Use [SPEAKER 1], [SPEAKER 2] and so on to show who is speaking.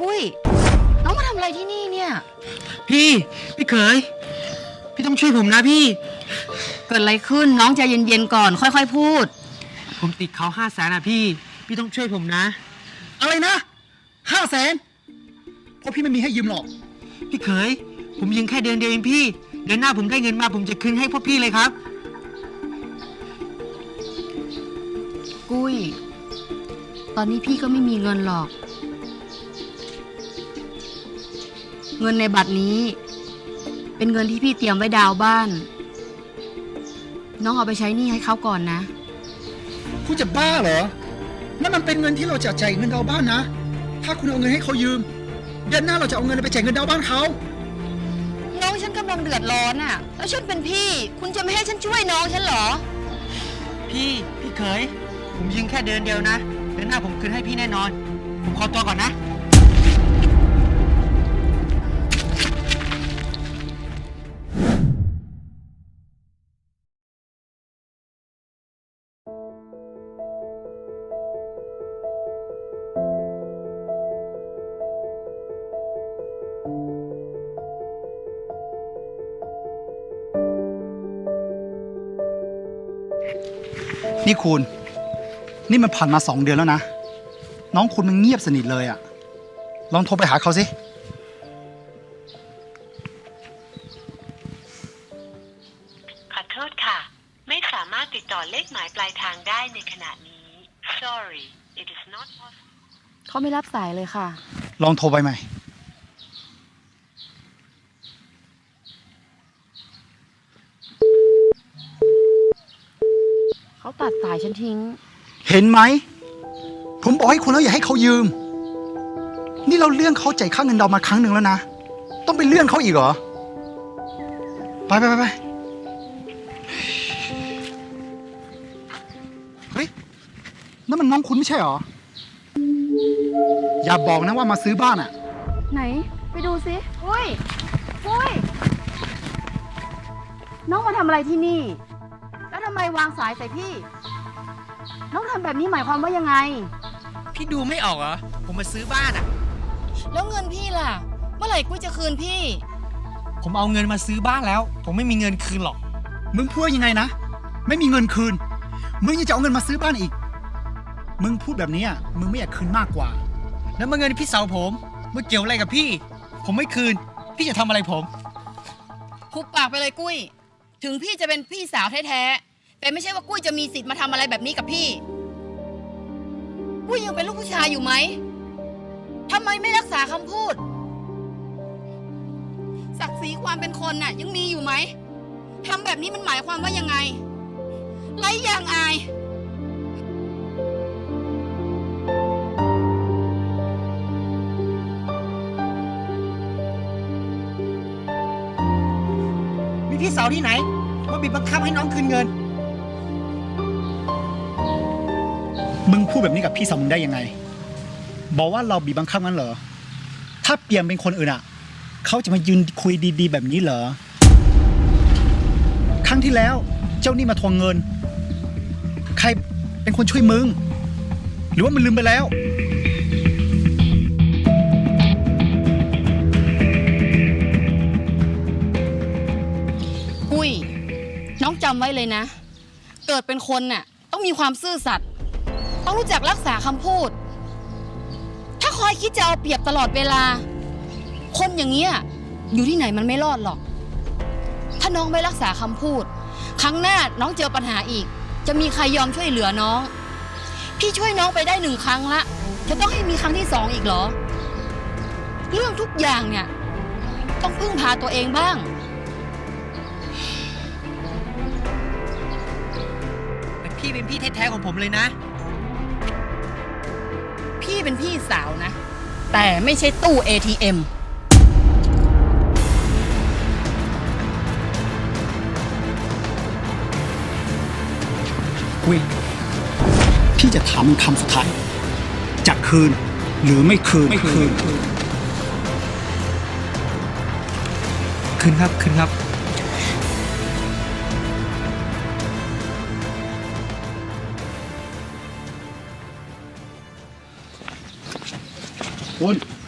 [SPEAKER 1] กุ้ยน้องมาทำอะไรที่นี่เนี่ย
[SPEAKER 2] พี่เขยพี่ต้องช่วยผมนะพี่
[SPEAKER 1] เกิดอะไรขึ้นน้องใจเย็นๆก่อนค่อยๆพูด
[SPEAKER 2] ผมติดเขา500,000นะพี่ต้องช่วยผมนะ
[SPEAKER 3] อะไรนะ500,000เพราะพี่ไม่มีให้ยืมหรอก
[SPEAKER 2] พี่เขยผมยืมแค่เดือนเดียวเองพี่เดือนหน้าผมได้เงินมาผมจะคืนให้พวกพี่เลยครับ
[SPEAKER 1] กุ้ยตอนนี้พี่ก็ไม่มีเงินหรอกเงินในบัตรนี้เป็นเงินที่พี่เตรียมไว้ดาวบ้านน้องเอาไปใช้หนี้ให้เขาก่อนนะ
[SPEAKER 3] คุณจะบ้าเหรอนั่นมันเป็นเงินที่เราจะจ่ายเงินดาวบ้านนะถ้าคุณเอาเงินให้เขายืมเดือนหน้าเราจะเอาเงินไปจ่ายเงินดาวบ้านเขา
[SPEAKER 1] น้องฉันกำลังเดือดร้อนอ่ะแล้วฉันเป็นพี่คุณจะไม่ให้ฉันช่วยน้องฉันเหรอ
[SPEAKER 2] พี่เขยผมยืมแค่เดือนเดียวนะเดือนหน้าผมคืนให้พี่แน่นอนผมขอตัวก่อนนะ
[SPEAKER 3] นี่คุณนี่มันผ่านมา2 เดือนแล้วนะน้องคุณมันเงียบสนิทเลยอะลองโทรไปหาเขาสิ
[SPEAKER 4] ขอโทษค่ะไม่สามารถติดต่อเลขหมายปลายทางได้ในขณะนี้ Sorry it is not possible
[SPEAKER 1] เขาไม่รับสายเลยค่ะ
[SPEAKER 3] ลองโทรไปใหม่
[SPEAKER 1] เขาตัดสายฉันทิ้ง
[SPEAKER 3] เห็นไหมผมบอกให้คุณแล้วอย่าให้เขายืมนี่เราเลื่อนเขาจ่ายค่าเงินดาวมาครั้งหนึ่งแล้วนะต้องไปเลื่อนเขาอีกเหรอไปเฮ้ยนั่นมันน้องคุณไม่ใช่เหรออย่าบอกนะว่ามาซื้อบ้านอะ
[SPEAKER 1] ไหนไปดูสิปุ้ยน้องมาทำอะไรที่นี่แล้วทำไมวางสายใส่พี่น้องทำแบบนี้หมายความว่ายังไง
[SPEAKER 2] พี่ดูไม่ออกเหรอผมมาซื้อบ้านอะ
[SPEAKER 1] แล้วเงินพี่ล่ะเมื่อไหร่กุ้ยจะคืนพี่
[SPEAKER 2] ผมเอาเงินมาซื้อบ้านแล้วผมไม่มีเงินคืนหรอก
[SPEAKER 3] มึงพูดยังไงนะไม่มีเงินคืนมึงยังจะเอาเงินมาซื้อบ้านอีกมึงพูดแบบนี้อ่ะมึงไม่อยากคืนมากกว่า
[SPEAKER 2] แล้วมาเงินพี่สาวผมเมื่อเกี่ยวอะไรกับพี่ผมไม่คืนพี่จะทำอะไรผม
[SPEAKER 1] คุบปากไปเลยกุ้ยถึงพี่จะเป็นพี่สาวแท้ๆแต่ไม่ใช่ว่ากุ้ยจะมีสิทธิ์มาทำอะไรแบบนี้กับพี่กุ้ยยังเป็นลูกผู้ชายอยู่ไหมทำไมไม่รักษาคำพูดศักดิ์ศรีความเป็นคนน่ะยังมีอยู่ไหมทำแบบนี้มันหมายความว่ายังไงไร้ยางอาย
[SPEAKER 2] มีพี่สาวที่ไหนมาบีบบังคับให้น้องคืนเงิน
[SPEAKER 3] มึงพูดแบบนี้กับพี่สาวมึงได้ยังไงบอกว่าเราบีบบังคับงั้นเหรอถ้าเปลี่ยนเป็นคนอื่นอ่ะเขาจะมายืนคุยดีๆแบบนี้เหรอครั้งที่แล้วเจ้านี่มาทวงเงินใครเป็นคนช่วยมึงหรือว่ามันลืมไปแล้ว
[SPEAKER 1] กุ้ยน้องจำไว้เลยนะเกิดเป็นคนน่ะต้องมีความซื่อสัตย์ต้องรู้จักรักษาคำพูดถ้าคอยคิดจะเอาเปรียบตลอดเวลาคนอย่างเงี้ยอยู่ที่ไหนมันไม่รอดหรอกถ้าน้องไม่รักษาคำพูดครั้งหน้าน้องเจอปัญหาอีกจะมีใครยอมช่วยเหลือน้องพี่ช่วยน้องไปได้1 ครั้งละจะต้องให้มีครั้งที่2อีกเหรอเรื่องทุกอย่างเนี่ยต้องพึ่งพาตัวเองบ้าง
[SPEAKER 2] แต่พี่เป็นพี่แท้ๆของผมเลยนะ
[SPEAKER 1] พี่เป็นพี่สาวนะแต่ไม่ใช่ตู้ ATM
[SPEAKER 3] กุ้ยพี่จะถามมึงคำสุดท้ายจะคืนหรือไม่คืน
[SPEAKER 2] คืนครับ
[SPEAKER 3] คุณ